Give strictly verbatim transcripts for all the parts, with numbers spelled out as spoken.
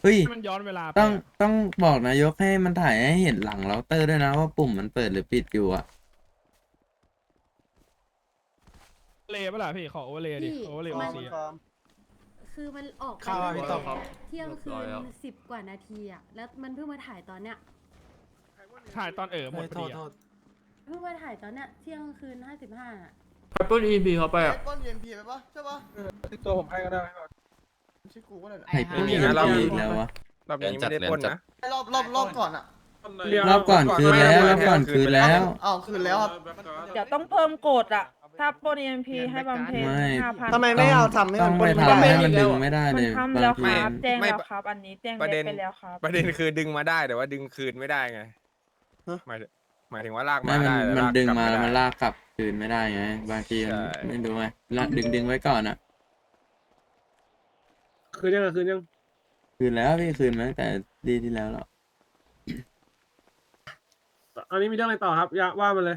เฮ้ยมันย้อนเวลาไปต้องอะต้องบอกนายกให้มันถ่ายให้เห็นหลังเราเตอร์ด้วยนะว่าปุ่มมันเปิดหรือปิดอยู่อ่ะเลย์ปะล่ะพี่ขอโอเวอร์เลย์ดิพี่โอเวอร์เลย์มัโอน ซีอะคือมันออกไปเข้ามาพี่ต้อมเที่ยงคืนสิบกว่านาทีอะแล้วมันเพิ่งมาถ่ายตอนเนี้ยถ่ายตอนเออหมดพโทอษดีโทอะษเพิ่งมาถ่ายตอนเนี้ยเที่ยงคืนห้าสิบห้าอะไปปล้นอีพีเขาไปอ่ะต้นเอ็มพีไปปะใช่ปะตัวผมให้ก็ได้ชื่อกูก็ได้ไฮเปอร์อีกแล้ววะรอบนี้ไม่ได้ปล้นนะรอบรอบรอบก่อนอ่ะรอบก่อนคืนแล้วรอบก่อนคืนแล้วอ้าวคืนแล้วครับเดี๋ยวต้องเพิ่มกฎอ่ะ ถ้าปล้น เอ็ม พี ให้บำเพ็ญไม่ห้าพันทำไมไม่เอาทำให้ต้มัอน งปล้ไปนไม่ทำได้ให้มันดึงไม่ได้มัเลนยทำบาแล้งวคทีรับ แจ้งไม่แล้วครับ อันนี้แจ้งประเด็เล็นไปแล้วครับประเด็นคือดึงมาได้แต่ว่าดึงคืนไม่ได้ไงหมายหมายถึงว่าลากไม่มามันได้แต่มันลากดึงกลับมาไได้แล้วมันลากกลับคืนไม่ได้ไง บางทีมันใช่ไม่รู้ไงละดึงดึงไว้ก่อนอ่ะคืนยังคืนยังคืนแล้วพี่คืนมาตั้งแต่ดีที่แล้วหรออันนี้มีเรื่องอะไรต่อครับอยาว่ามาเลย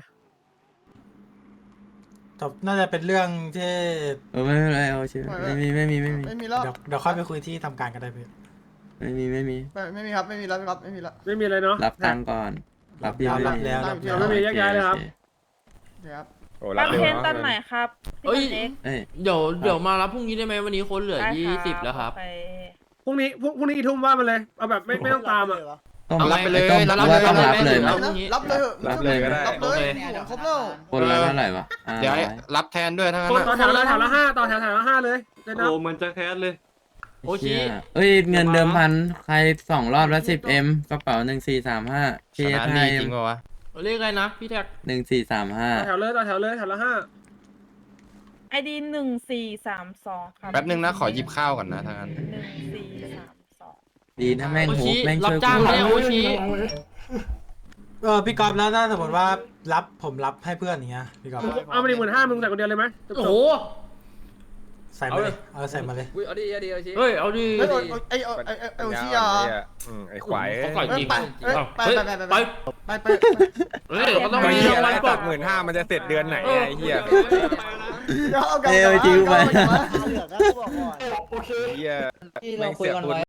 จบน่าจะเป็นเรื่องที่เออไม่เป็นไรเอาเชื่อไม่มีไม่มีไม่มีไม่มีแล้วเดี๋ยวเดี๋ยวค่อยไปคุยที่ทำการกันได้พี่ไม่มีไม่มีไม่ไม่มีครับไม่มีแล้วครับไม่มีแล้วไม่มีอะไรเนาะรับตังค์ก่อน รับพี่รับไม่รับแล้วรับเดี๋แล้วยวไม่มีแยกย้ายเลยครับโอเดี๋ยวครับโอ้รับบำเร็วเพ็ญเนาะตอนไหนครับเอ้ยพี่เล็กเอ้ยเดี๋ยวเดี๋ยวมารับพรุ่งนี้ได้ไหมวันนี้คนเหลือได้ยี่สิบแล้วครับโอเพรุ่งนี้พรุ่งพรุ่งนี้กี่ทุ่มว่ามาเลยเอาแบบไม่ไม่ต้องตามอ่ะต้องเอารับไปเลยต้องรับว่าเลยต้องรับรับเลเลย ยไหมรับรับเลยเหอะรับเลยก็ได้รับเลยผมครบแล้วคนละเท่าไหร่วะอ่าเดี๋ยวให้รับแทนด้วยทั้งนั้นต่ออะแถวละแถวละห้าต่อแถวแถวละห้าเลยเดี๋ยวนะโอ้มันจะแคสเลย โอชิเชี่ยเอ้ยเงินเดิมพันใครสองรอบแล้วสิบเอ็มกระเป๋าหนึ่งสี่สามห้าเคชเอนะไทนี่ยจริงป่าวะเรียกอะไรนะพี่แท็กหนึ่งสี่สามห้าต่อแถวเลยต่อแถวเลยแถวละห้าไอดีหนึ่งสี่สามสองครับแป๊บนึงนะขอหยิบข้าวก่อนนะทางนั้นหนึ่งสี่สามสองดีนะแม่งโอโหชิแม่งรับช่วยจ้างกูไหมโอชิเออพี่กอล์ฟแล้วถ้าสมมติว่ารับผมรับให้เพื่อนอย่างเงี้ยพี่กอล์ฟเอามาหนึ่งหมื่นห้ามึงใส่คนเดียวเลยไหมจบๆโอ้โหใส่มาเลยเอาใส่มาเลยเอาดิเอาดิเฮ้ยเอาดิไอ้ไอ้ไอ้ไอ้ไอ้เชียอืมไอ้ควายเขาก่อยจริงไปไปไปไปไปไปไปไปเฮ้ยเขาต้องไอ้มีเหี้ยรางวัลปลตัอดบหมื่นห้ามันจะเสร็จเดือนไหนไอ้เหี้ยเดี๋ยวเอากลับเอ้ยจริงไปเอากลับมาไอ้เหี้ยไม่งเสียคุณ